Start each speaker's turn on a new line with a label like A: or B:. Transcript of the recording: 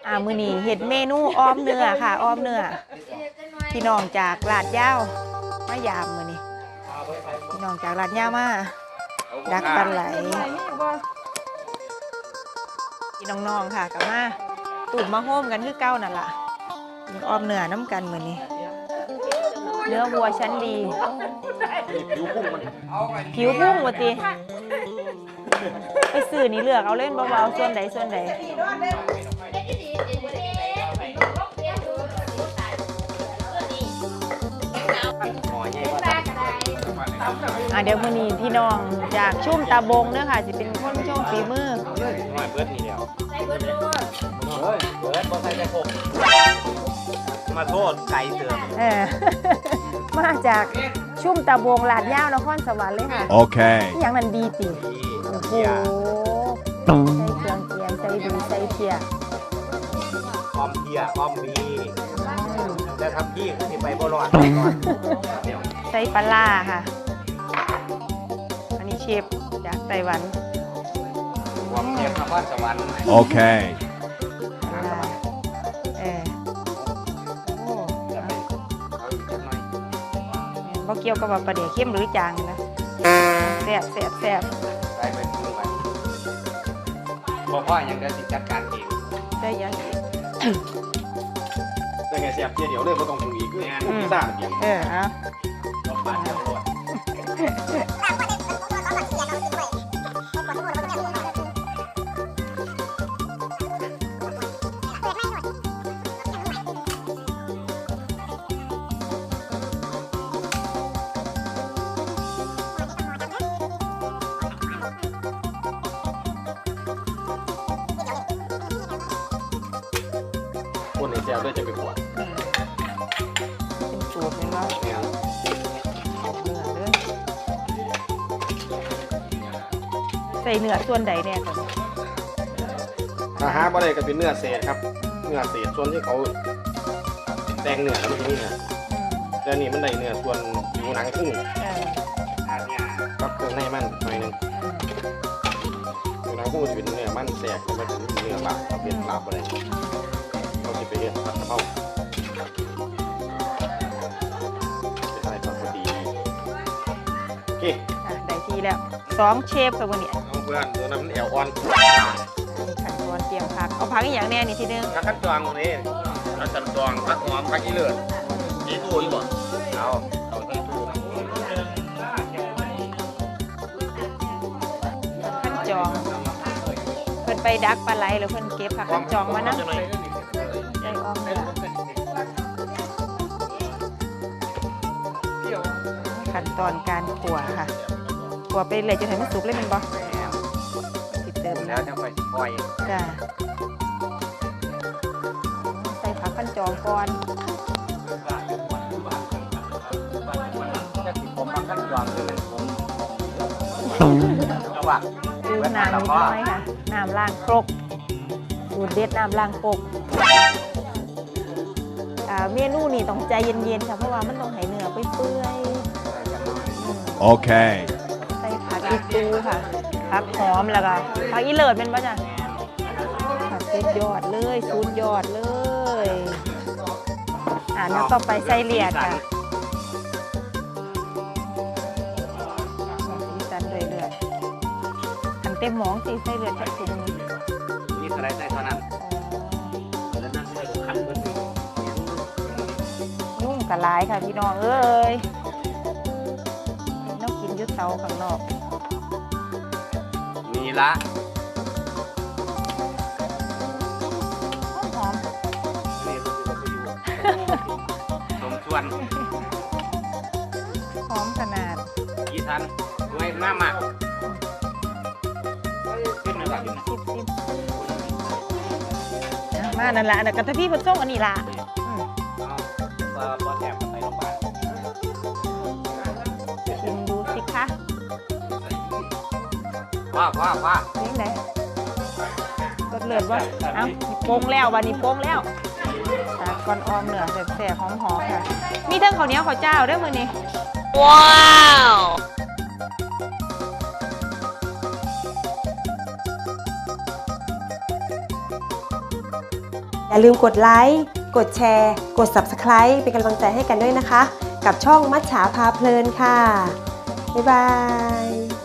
A: มื้อนี้เฮ็ดเมนูอ้อมเนื้อค่ะอ้อมเนื้อพี่น้องจากลาดยาวมายามมื้อนี้พี่น้องจากลาดยาวมาดักปลาไหลพี่น้องๆค่ะกลับมาตูดมาโฮมกันคือเก่านั่นล่ะอ้อมเนื้อน้ำกันมื้อนี้เนื้อวัวชั้นดีผิวพุ่งว่าติไปซื้อนี่เลือกเอาเล่นเบาๆส่วนใดเดี๋ยวมื้อนี้พี่น้องจากชุ่มตาบงเด้อค่ะสิเป็นคนโชว์ฝีมือ
B: เบิดนี่เดียวเบิดบ่ใส่แต่ผมมาโทษไก่เสือ
A: มาจากชุ่มตาบงลาดยาวนครสวรรค์เลยค่ะ
C: โอเค
A: อย่างนั้นดีติโอ้โหใส่เครื่องเคียงใส่ดีใส่เพีย
B: อ้อมเพียอ้อมบีแต่ทำพี่ก็สิไปบ่รอด
A: ใส่ปลาล่าค่ะอันนี้เชฟจากไต้หวัน
B: ความเพียรนครสวรรค์
C: โอเค
A: บ่เกี่ยวกับว่าปลาเดี๋ยวเข้มหรือจางนะแซ่บ
B: ได้ไปดูไปบอกว่ายังได้สิจัดการเอง
A: ได้ยัง
B: ได้ไงเสียบเพียเดี๋ยวเลยบ่ต้องปรุงอีกเนี่ยพิซซ่าเดียว
A: เอา
B: ลองปาดเดี๋ยวรอดคนในเซลด้วยจะไปขวด
A: เป็นสูตรเลยว่าเนื้อเลยใส่เนื้อส่วนใดเนี่ยก่อน
B: ถ้าหาบ่ได้ก็เป็นเนื้อเศษครับเนื้อเศษส่วนที่เขาแต่งเนื้อแล้วมันจะนี่นะแต่นี่มันได้เนื้อส่วนอยู่หนังกุ้งกับเครื่องในมันหน่อยนึงอยู่หนังกุ้งจะเป็นเนื้อมันแสกมันเป็นเนื้อลาบเป็นลาบอะไรเราจะไปเรียนผัดกะเพราเป็นอะไรก็พอดีโอเค
A: ได้ทีแล้ว2เชฟค่ะวันนี้
B: เพื่อนตัวนั้นมันแอวอ่อน
A: ขั้นตอนเตรียมผักเอาผักอย่างแน่นี่ทีนึง
B: ผักขั้นตอนนี่ผักขั้นตอนผักหอมผักอีเลือดยี่ตู้ยี่บ่เอาใส่ตู้
A: ขั้นจองเพิ่นไปดักปลาไหลหรือเพิ่นเก็บผักขั้นจองมานะได้อ้อมเลยขั้นตอนการขั่วค่ะขั่วไปเลยจนถึงมันสุกเลยมันบ่ติดเติม
B: แล้วจะไปปล่อย
A: จ้าใส่ผักขั้นจองก่อน
B: จะติดผมผักขั้นจองเลยว่า
A: ดูน้ำนิดน้อยค่ะน้ำล้างครกสูตรเด็ดน้ำล้างครกเมนูนี่ต้องใจเย็นๆค่ะเพราะว่ามันต้องให้เนื้อไปเปื่อย
C: โอเค
A: ใส่ผักอีตูค่ะผักหอมแล้วก็ผักอีเลิศเป็นป่ะจ๊ะผักสุดยอดเลยสุดยอดเลยแล้วต่อไปใส่เลียดค่ะสีสันเลยเลือดทำเต็มหม้อสิใส่เลือดจัดถุง
B: นี่อะไรใส่เท่านั้นแล้วนั่นใส่ขันเบอร์
A: ยุ่งกับหลายค่ะพี่น้องเอ้ยต้องกินยุดเตาข้างนอก
B: มีละ
A: หอม
B: สมส่วน
A: หอมขนาด
B: กี่ทันด้วยหน้าหมักขึ้นมา
A: มานั่นแหละกระทะพี่ผสมอันนี้ละ
B: พอแถมไปลงไป
A: ชิมดูสิคะ
B: ว่า
A: เลี้ยงไหนรสเลือดว่าเอ้าโป่งแล้ววันนี้โป่งแล้วตาก้อนออมเหนือแสบๆหอมๆค่ะมีทั้งข้าวเหนียวข้าวเจ้าด้วยมือนี้ว้าว
D: อย่าลืมกดไลค์ กดแชร์ กด Subscribe เป็นกำลังใจให้กันด้วยนะคะ กับช่องมัจฉาพาเพลินค่ะ บ๊ายบาย